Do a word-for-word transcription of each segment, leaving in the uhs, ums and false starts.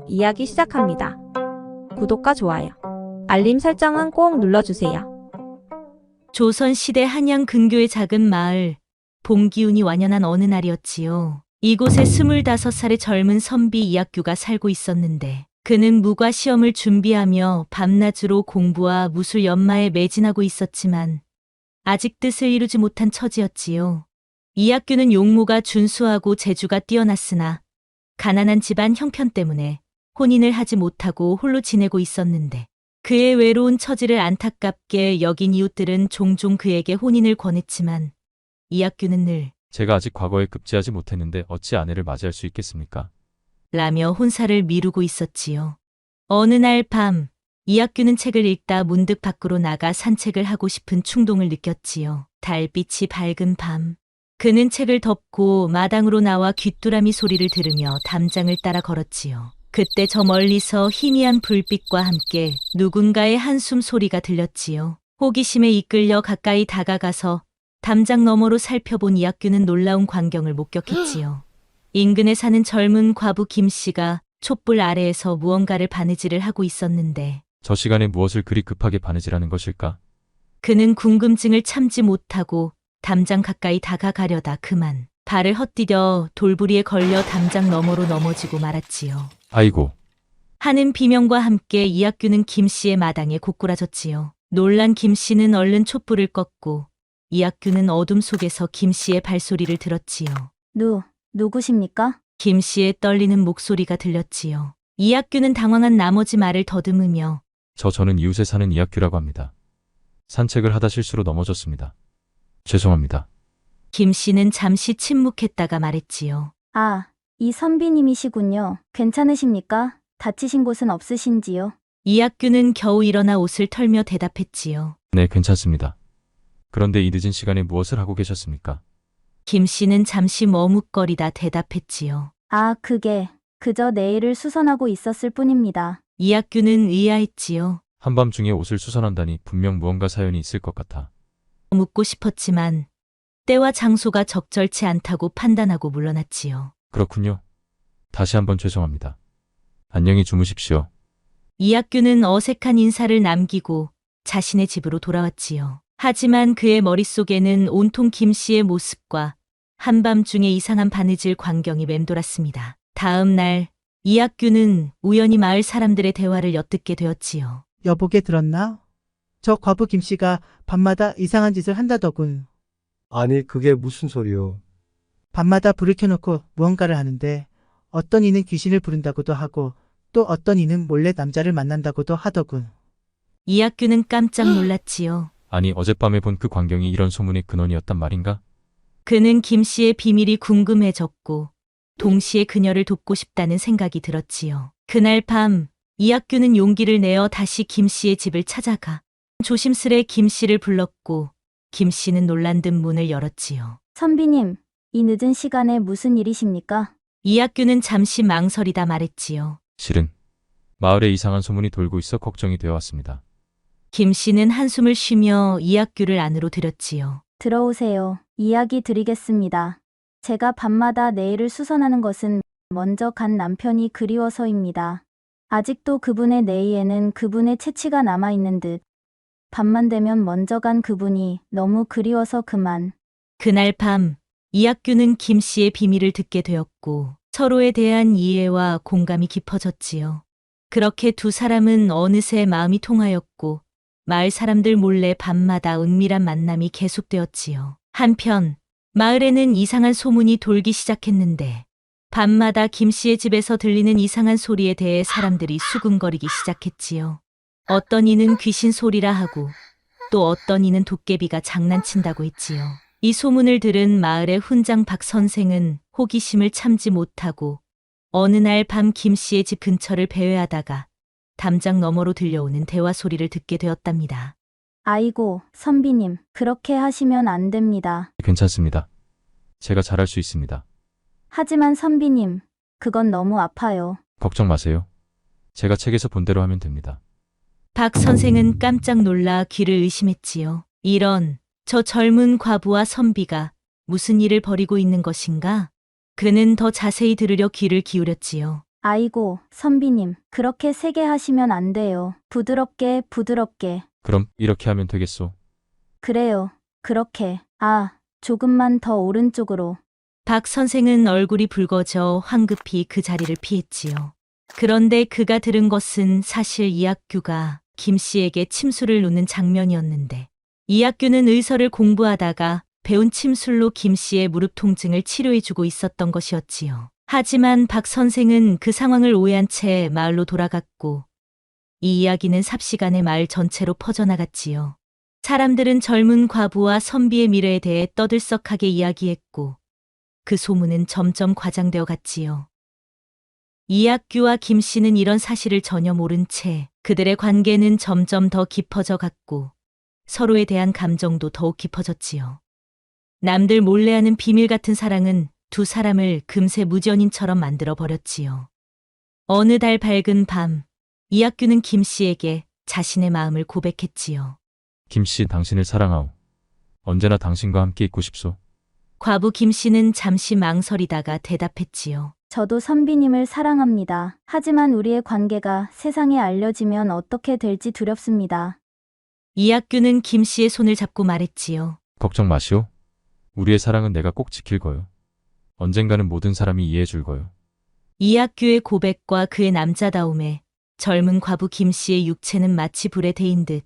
이야기 시작합니다. 구독과 좋아요, 알림 설정은 꼭 눌러주세요. 조선시대 한양 근교의 작은 마을, 봄 기운이 완연한 어느 날이었지요. 이곳에 스물다섯 살의 젊은 선비 이학규가 살고 있었는데 그는 무과 시험을 준비하며 밤낮으로 공부와 무술 연마에 매진하고 있었지만 아직 뜻을 이루지 못한 처지였지요. 이학규는 용모가 준수하고 재주가 뛰어났으나 가난한 집안 형편 때문에 혼인을 하지 못하고 홀로 지내고 있었는데 그의 외로운 처지를 안타깝게 여긴 이웃들은 종종 그에게 혼인을 권했지만 이학규는 늘 제가 아직 과거에 급제하지 못했는데 어찌 아내를 맞이할 수 있겠습니까? 라며 혼사를 미루고 있었지요. 어느 날 밤 이학규는 책을 읽다 문득 밖으로 나가 산책을 하고 싶은 충동을 느꼈지요. 달빛이 밝은 밤 그는 책을 덮고 마당으로 나와 귀뚜라미 소리를 들으며 담장을 따라 걸었지요. 그때 저 멀리서 희미한 불빛과 함께 누군가의 한숨 소리가 들렸지요. 호기심에 이끌려 가까이 다가가서 담장 너머로 살펴본 이학규는 놀라운 광경을 목격했지요. 인근에 사는 젊은 과부 김 씨가 촛불 아래에서 무언가를 바느질을 하고 있었는데 저 시간에 무엇을 그리 급하게 바느질하는 것일까? 그는 궁금증을 참지 못하고 담장 가까이 다가가려다 그만 발을 헛디뎌 돌부리에 걸려 담장 너머로 넘어지고 말았지요. 아이고, 하는 비명과 함께 이학규는 김 씨의 마당에 고꾸라졌지요. 놀란 김 씨는 얼른 촛불을 껐고 이학규는 어둠 속에서 김 씨의 발소리를 들었지요. 누, 누구십니까? 김 씨의 떨리는 목소리가 들렸지요. 이학규는 당황한 나머지 말을 더듬으며 저 저는 이웃에 사는 이학규라고 합니다. 산책을 하다 실수로 넘어졌습니다. 죄송합니다. 김 씨는 잠시 침묵했다가 말했지요. 아, 이 선비님이시군요. 괜찮으십니까? 다치신 곳은 없으신지요? 이학규는 겨우 일어나 옷을 털며 대답했지요. 네, 괜찮습니다. 그런데 이 늦은 시간에 무엇을 하고 계셨습니까? 김 씨는 잠시 머뭇거리다 대답했지요. 아, 그게 그저 내일을 수선하고 있었을 뿐입니다. 이학규는 의아했지요. 한밤중에 옷을 수선한다니 분명 무언가 사연이 있을 것 같아. 묻고 싶었지만 때와 장소가 적절치 않다고 판단하고 물러났지요. 그렇군요. 다시 한번 죄송합니다. 안녕히 주무십시오. 이학규는 어색한 인사를 남기고 자신의 집으로 돌아왔지요. 하지만 그의 머릿속에는 온통 김 씨의 모습과 한밤중에 이상한 바느질 광경이 맴돌았습니다. 다음 날 이학규는 우연히 마을 사람들의 대화를 엿듣게 되었지요. 여보게 들었나? 저 과부 김씨가 밤마다 이상한 짓을 한다더군. 아니, 그게 무슨 소리요? 밤마다 불을 켜놓고 무언가를 하는데 어떤 이는 귀신을 부른다고도 하고 또 어떤 이는 몰래 남자를 만난다고도 하더군. 이학규는 깜짝 놀랐지요. 아니, 어젯밤에 본 그 광경이 이런 소문의 근원이었단 말인가? 그는 김 씨의 비밀이 궁금해졌고 동시에 그녀를 돕고 싶다는 생각이 들었지요. 그날 밤 이학규는 용기를 내어 다시 김 씨의 집을 찾아가 조심스레 김 씨를 불렀고 김 씨는 놀란 듯 문을 열었지요. 선비님, 이 늦은 시간에 무슨 일이십니까? 이학규는 잠시 망설이다 말했지요. 실은 마을에 이상한 소문이 돌고 있어 걱정이 되어 왔습니다. 김 씨는 한숨을 쉬며 이학규를 안으로 들였지요. 들어오세요. 이야기 드리겠습니다. 제가 밤마다 내일을 수선하는 것은 먼저 간 남편이 그리워서입니다. 아직도 그분의 내의에는 그분의 채취가 남아있는 듯 밤만 되면 먼저 간 그분이 너무 그리워서 그만. 그날 밤 이학규는 김 씨의 비밀을 듣게 되었고 서로에 대한 이해와 공감이 깊어졌지요. 그렇게 두 사람은 어느새 마음이 통하였고 마을 사람들 몰래 밤마다 은밀한 만남이 계속되었지요. 한편 마을에는 이상한 소문이 돌기 시작했는데 밤마다 김 씨의 집에서 들리는 이상한 소리에 대해 사람들이 수군거리기 시작했지요. 어떤 이는 귀신 소리라 하고 또 어떤 이는 도깨비가 장난친다고 했지요. 이 소문을 들은 마을의 훈장 박 선생은 호기심을 참지 못하고 어느 날 밤 김 씨의 집 근처를 배회하다가 담장 너머로 들려오는 대화 소리를 듣게 되었답니다. 아이고, 선비님, 그렇게 하시면 안 됩니다. 괜찮습니다. 제가 잘할 수 있습니다. 하지만 선비님, 그건 너무 아파요. 걱정 마세요. 제가 책에서 본 대로 하면 됩니다. 박 선생은 깜짝 놀라 귀를 의심했지요. 이런, 저 젊은 과부와 선비가 무슨 일을 벌이고 있는 것인가? 그는 더 자세히 들으려 귀를 기울였지요. 아이고, 선비님, 그렇게 세게 하시면 안 돼요. 부드럽게, 부드럽게. 그럼 이렇게 하면 되겠소. 그래요. 그렇게. 아, 조금만 더 오른쪽으로. 박 선생은 얼굴이 붉어져 황급히 그 자리를 피했지요. 그런데 그가 들은 것은 사실 이학규가 김 씨에게 침술을 놓는 장면이었는데, 이학규는 의서를 공부하다가 배운 침술로 김 씨의 무릎 통증을 치료해주고 있었던 것이었지요. 하지만 박 선생은 그 상황을 오해한 채 마을로 돌아갔고, 이 이야기는 삽시간에 마을 전체로 퍼져나갔지요. 사람들은 젊은 과부와 선비의 미래에 대해 떠들썩하게 이야기했고, 그 소문은 점점 과장되어 갔지요. 이학규와 김 씨는 이런 사실을 전혀 모른 채 그들의 관계는 점점 더 깊어져 갔고, 서로에 대한 감정도 더욱 깊어졌지요. 남들 몰래 하는 비밀 같은 사랑은 두 사람을 금세 무전인처럼 만들어 버렸지요. 어느 달 밝은 밤, 이학규는 김 씨에게 자신의 마음을 고백했지요. 김 씨, 당신을 사랑하오. 언제나 당신과 함께 있고 싶소. 과부 김 씨는 잠시 망설이다가 대답했지요. 저도 선비님을 사랑합니다. 하지만 우리의 관계가 세상에 알려지면 어떻게 될지 두렵습니다. 이학규는 김 씨의 손을 잡고 말했지요. 걱정 마시오. 우리의 사랑은 내가 꼭 지킬 거요. 언젠가는 모든 사람이 이해해 줄 거요. 이학규의 고백과 그의 남자다움에 젊은 과부 김 씨의 육체는 마치 불에 데인 듯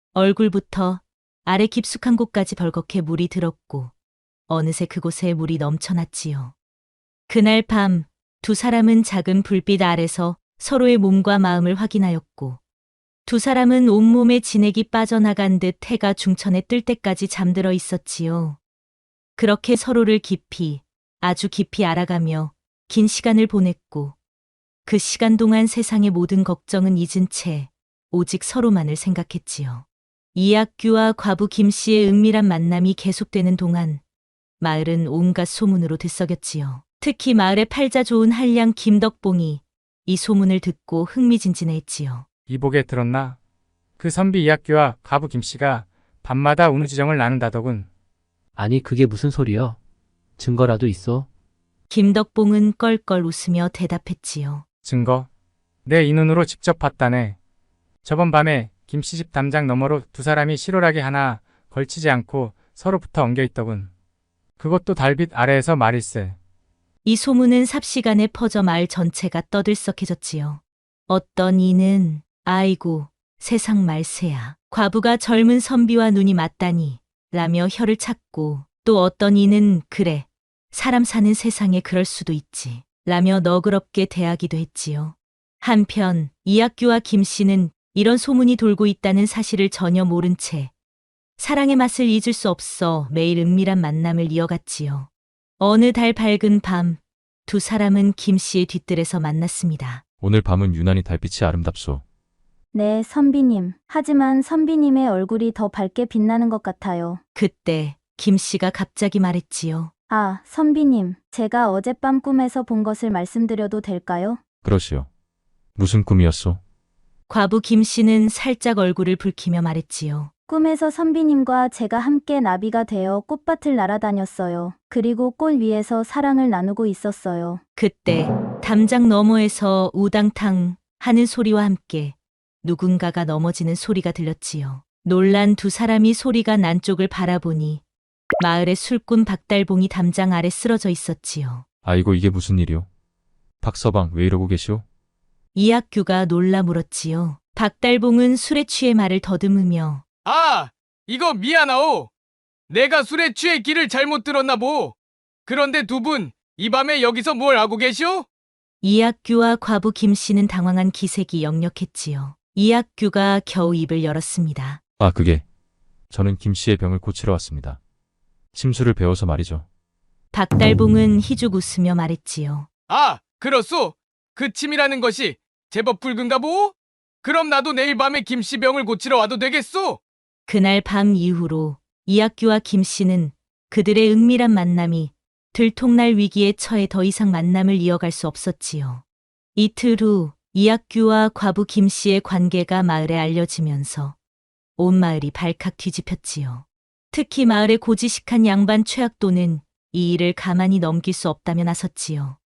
얼굴부터 아래 깊숙한 곳까지 벌겋게 물이 들었고, 어느새 그곳에 물이 넘쳐났지요. 그날 밤 두 사람은 작은 불빛 아래서 서로의 몸과 마음을 확인하였고, 두 사람은 온몸에 진액이 빠져나간 듯 해가 중천에 뜰 때까지 잠들어 있었지요. 그렇게 서로를 깊이, 아주 깊이 알아가며 긴 시간을 보냈고, 그 시간 동안 세상의 모든 걱정은 잊은 채 오직 서로만을 생각했지요. 이학규와 과부 김 씨의 은밀한 만남이 계속되는 동안 마을은 온갖 소문으로 들썩였지요. 특히 마을의 팔자 좋은 한량 김덕봉이 이 소문을 듣고 흥미진진해했지요. 이복에 들었나? 그 선비 이학규와 과부 김씨가 밤마다 운우지정을 나눈다더군. 아니 그게 무슨 소리여? 증거라도 있어? 김덕봉은 껄껄 웃으며 대답했지요. 증거? 내 이 눈으로 직접 봤다네. 저번 밤에 김씨 집 담장 너머로 두 사람이 실오라기 하나 걸치지 않고 서로 붙어 엉겨 있더군. 그것도 달빛 아래에서 말일세. 이 소문은 삽시간에 퍼져 마을 전체가 떠들썩해졌지요. 어떤 이는 아이고 세상 말세야. 과부가 젊은 선비와 눈이 맞다니 라며 혀를 찾고, 또 어떤 이는 그래 사람 사는 세상에 그럴 수도 있지 라며 너그럽게 대하기도 했지요. 한편 이학규와 김 씨는 이런 소문이 돌고 있다는 사실을 전혀 모른 채 사랑의 맛을 잊을 수 없어 매일 은밀한 만남을 이어갔지요. 어느 달 밝은 밤, 두 사람은 김 씨의 뒷뜰에서 만났습니다. 오늘 밤은 유난히 달빛이 아름답소. 네, 선비님. 하지만 선비님의 얼굴이 더 밝게 빛나는 것 같아요. 그때 김 씨가 갑자기 말했지요. 아, 선비님. 제가 어젯밤 꿈에서 본 것을 말씀드려도 될까요? 그러시오. 무슨 꿈이었소? 과부 김 씨는 살짝 얼굴을 붉히며 말했지요. 꿈에서 선비님과 제가 함께 나비가 되어 꽃밭을 날아다녔어요. 그리고 꽃 위에서 사랑을 나누고 있었어요. 그때 담장 너머에서 우당탕 하는 소리와 함께 누군가가 넘어지는 소리가 들렸지요. 놀란 두 사람이 소리가 난 쪽을 바라보니 마을의 술꾼 박달봉이 담장 아래 쓰러져 있었지요. 아이고, 이게 무슨 일이오? 박서방, 왜 이러고 계시오? 이학규가 놀라 물었지요. 박달봉은 술에 취해 말을 더듬으며 아, 이거 미안하오. 내가 술에 취해 길을 잘못 들었나 보. 그런데 두 분, 이 밤에 여기서 뭘 하고 계시오? 이학규와 과부 김 씨는 당황한 기색이 역력했지요. 이학규가 겨우 입을 열었습니다. 아, 그게 저는 김 씨의 병을 고치러 왔습니다. 침술을 배워서 말이죠. 박달봉은 희죽 웃으며 말했지요. 아, 그렇소. 그 침이라는 것이 제법 붉은가 보? 그럼 나도 내일 밤에 김씨 병을 고치러 와도 되겠소? 그날 밤 이후로 이학규와 김 씨는 그들의 은밀한 만남이 들통날 위기에 처해 더 이상 만남을 이어갈 수 없었지요. 이틀 후 이학규와 과부 김 씨의 관계가 마을에 알려지면서 온 마을이 발칵 뒤집혔지요. 특히 마을의 고지식한 양반 최학도는 이 일을 가만히 넘길 수 없다며 나섰지요.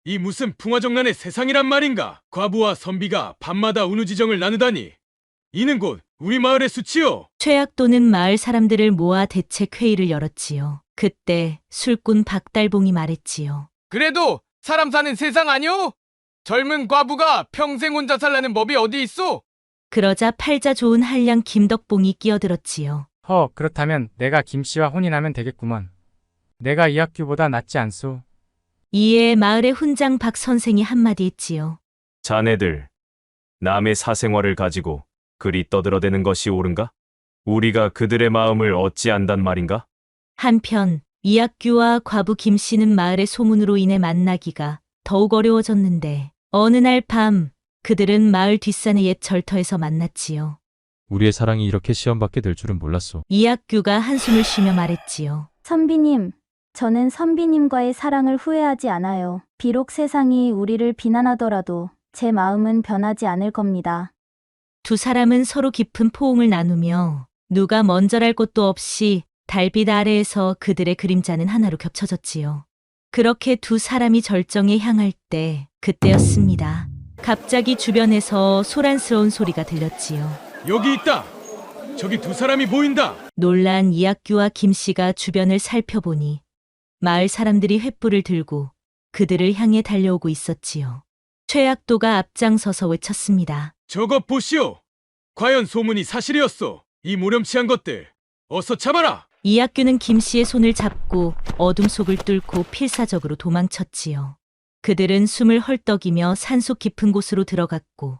이 무슨 풍화정란의 세상이란 말인가? 과부와 선비가 밤마다 운우지정을 나누다니. 이는 곧 우리 마을의 수치요. 최약도는 마을 사람들을 모아 대책 회의를 열었지요. 그때 술꾼 박달봉이 말했지요. 그래도 사람 사는 세상 아니오? 젊은 과부가 평생 혼자 살라는 법이 어디 있어? 그러자 팔자 좋은 한량 김덕봉이 끼어들었지요. 허, 그렇다면 내가 김씨와 혼인하면 되겠구먼. 내가 이학규보다 낫지 않소. 이에 마을의 훈장 박 선생이 한마디 했지요. 자네들, 남의 사생활을 가지고 그리 떠들어대는 것이 옳은가? 우리가 그들의 마음을 어찌 안단 말인가? 한편 이학규와 과부 김씨는 마을의 소문으로 인해 만나기가 더욱 어려워졌는데 어느 날 밤 그들은 마을 뒷산의 옛 절터에서 만났지요. 우리의 사랑이 이렇게 시험받게 될 줄은 몰랐소. 이학규가 한숨을 쉬며 말했지요. 선비님, 저는 선비님과의 사랑을 후회하지 않아요. 비록 세상이 우리를 비난하더라도 제 마음은 변하지 않을 겁니다. 두 사람은 서로 깊은 포옹을 나누며 누가 먼저랄 것도 없이 달빛 아래에서 그들의 그림자는 하나로 겹쳐졌지요. 그렇게 두 사람이 절정에 향할 때 그때였습니다. 갑자기 주변에서 소란스러운 소리가 들렸지요. 여기 있다. 저기 두 사람이 보인다. 놀란 이학규와 김씨가 주변을 살펴보니 마을 사람들이 횃불을 들고 그들을 향해 달려오고 있었지요. 최약도가 앞장서서 외쳤습니다. 저것 보시오. 과연 소문이 사실이었소. 이 무렴치한 것들. 어서 잡아라. 이학규는 김씨의 손을 잡고 어둠 속을 뚫고 필사적으로 도망쳤지요. 그들은 숨을 헐떡이며 산속 깊은 곳으로 들어갔고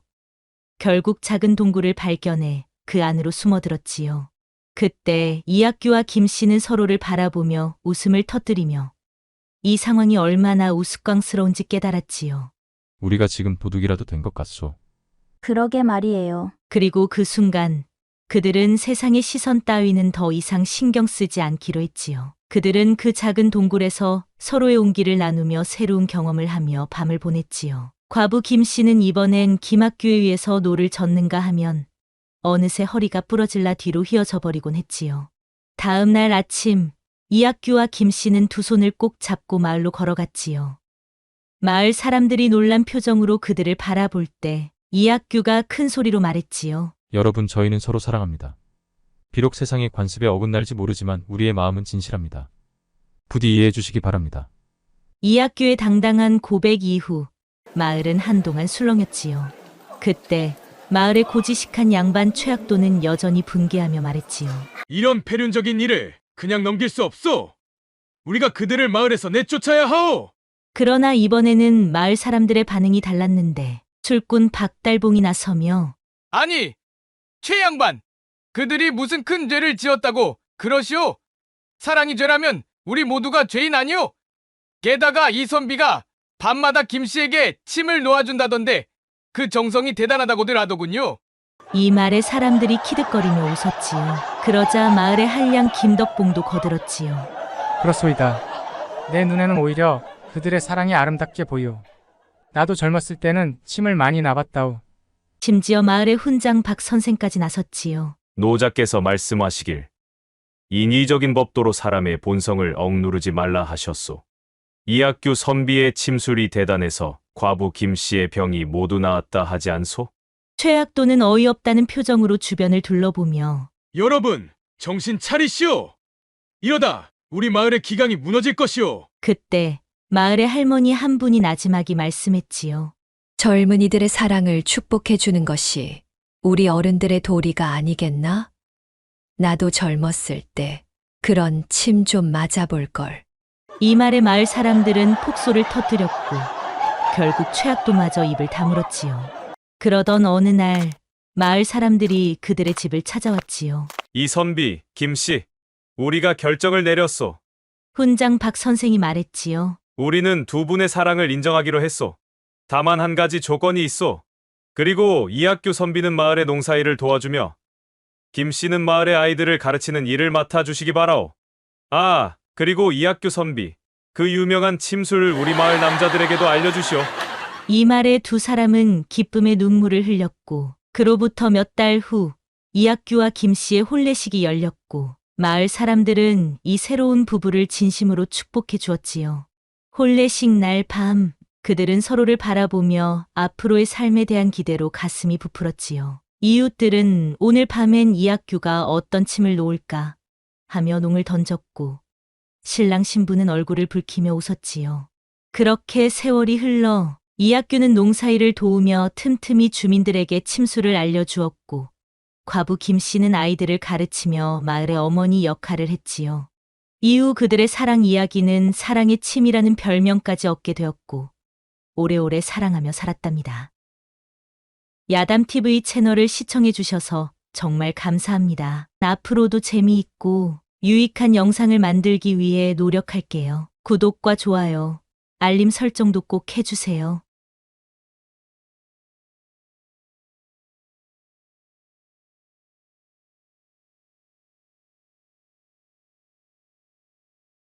결국 작은 동굴을 발견해 그 안으로 숨어들었지요. 그때 이학규와 김씨는 서로를 바라보며 웃음을 터뜨리며 이 상황이 얼마나 우스꽝스러운지 깨달았지요. 우리가 지금 도둑이라도 된 것 같소. 그러게 말이에요. 그리고 그 순간 그들은 세상의 시선 따위는 더 이상 신경 쓰지 않기로 했지요. 그들은 그 작은 동굴에서 서로의 온기를 나누며 새로운 경험을 하며 밤을 보냈지요. 과부 김씨는 이번엔 김학규에 의해서 노를 젓는가 하면 어느새 허리가 부러질라 뒤로 휘어져 버리곤 했지요. 다음 날 아침 이학규와 김씨는 두 손을 꼭 잡고 마을로 걸어갔지요. 마을 사람들이 놀란 표정으로 그들을 바라볼 때 이학규가 큰 소리로 말했지요. 여러분, 저희는 서로 사랑합니다. 비록 세상의 관습에 어긋날지 모르지만 우리의 마음은 진실합니다. 부디 이해해 주시기 바랍니다. 이학규의 당당한 고백 이후 마을은 한동안 술렁였지요. 그때 마을의 고지식한 양반 최학도는 여전히 분개하며 말했지요. 이런 폐륜적인 일을 그냥 넘길 수 없소. 우리가 그들을 마을에서 내쫓아야 하오. 그러나 이번에는 마을 사람들의 반응이 달랐는데 술꾼 박달봉이 나서며 아니, 최 양반. 그들이 무슨 큰 죄를 지었다고 그러시오? 사랑이 죄라면 우리 모두가 죄인 아니오? 게다가 이 선비가 밤마다 김씨에게 침을 놓아준다던데 그 정성이 대단하다고들 하더군요. 이 말에 사람들이 키득거리며 웃었지요. 그러자 마을의 한량 김덕봉도 거들었지요. 그렇소이다. 내 눈에는 오히려 그들의 사랑이 아름답게 보이오. 나도 젊었을 때는 침을 많이 나봤다오. 심지어 마을의 훈장 박 선생까지 나섰지요. 노자께서 말씀하시길 인위적인 법도로 사람의 본성을 억누르지 말라 하셨소. 이학규 선비의 침술이 대단해서 과부 김씨의 병이 모두 나았다 하지 않소? 최약도는 어이없다는 표정으로 주변을 둘러보며 여러분, 정신 차리시오. 이러다 우리 마을의 기강이 무너질 것이오. 그때 마을의 할머니 한 분이 나지막이 말씀했지요. 젊은이들의 사랑을 축복해 주는 것이 우리 어른들의 도리가 아니겠나? 나도 젊었을 때 그런 침 좀 맞아볼 걸. 이 말에 마을 사람들은 폭소를 터뜨렸고 결국 최학도마저 입을 다물었지요. 그러던 어느 날 마을 사람들이 그들의 집을 찾아왔지요. 이 선비, 김씨, 우리가 결정을 내렸소. 훈장 박 선생이 말했지요. 우리는 두 분의 사랑을 인정하기로 했소. 다만 한 가지 조건이 있소. 그리고 이학규 선비는 마을의 농사일을 도와주며 김씨는 마을의 아이들을 가르치는 일을 맡아주시기 바라오. 아, 그리고 이학규 선비, 그 유명한 침술을 우리 마을 남자들에게도 알려주시오. 이 말에 두 사람은 기쁨의 눈물을 흘렸고 그로부터 몇 달 후 이학규와 김씨의 혼례식이 열렸고 마을 사람들은 이 새로운 부부를 진심으로 축복해 주었지요. 혼례식 날 밤 그들은 서로를 바라보며 앞으로의 삶에 대한 기대로 가슴이 부풀었지요. 이웃들은 오늘 밤엔 이학규가 어떤 침을 놓을까 하며 농을 던졌고 신랑 신부는 얼굴을 붉히며 웃었지요. 그렇게 세월이 흘러 이학규는 농사일을 도우며 틈틈이 주민들에게 침수를 알려주었고 과부 김 씨는 아이들을 가르치며 마을의 어머니 역할을 했지요. 이후 그들의 사랑 이야기는 사랑의 침이라는 별명까지 얻게 되었고 오래오래 사랑하며 살았답니다. 야담티비 채널을 시청해 주셔서 정말 감사합니다. 앞으로도 재미있고 유익한 영상을 만들기 위해 노력할게요. 구독과 좋아요, 알림 설정도 꼭 해주세요.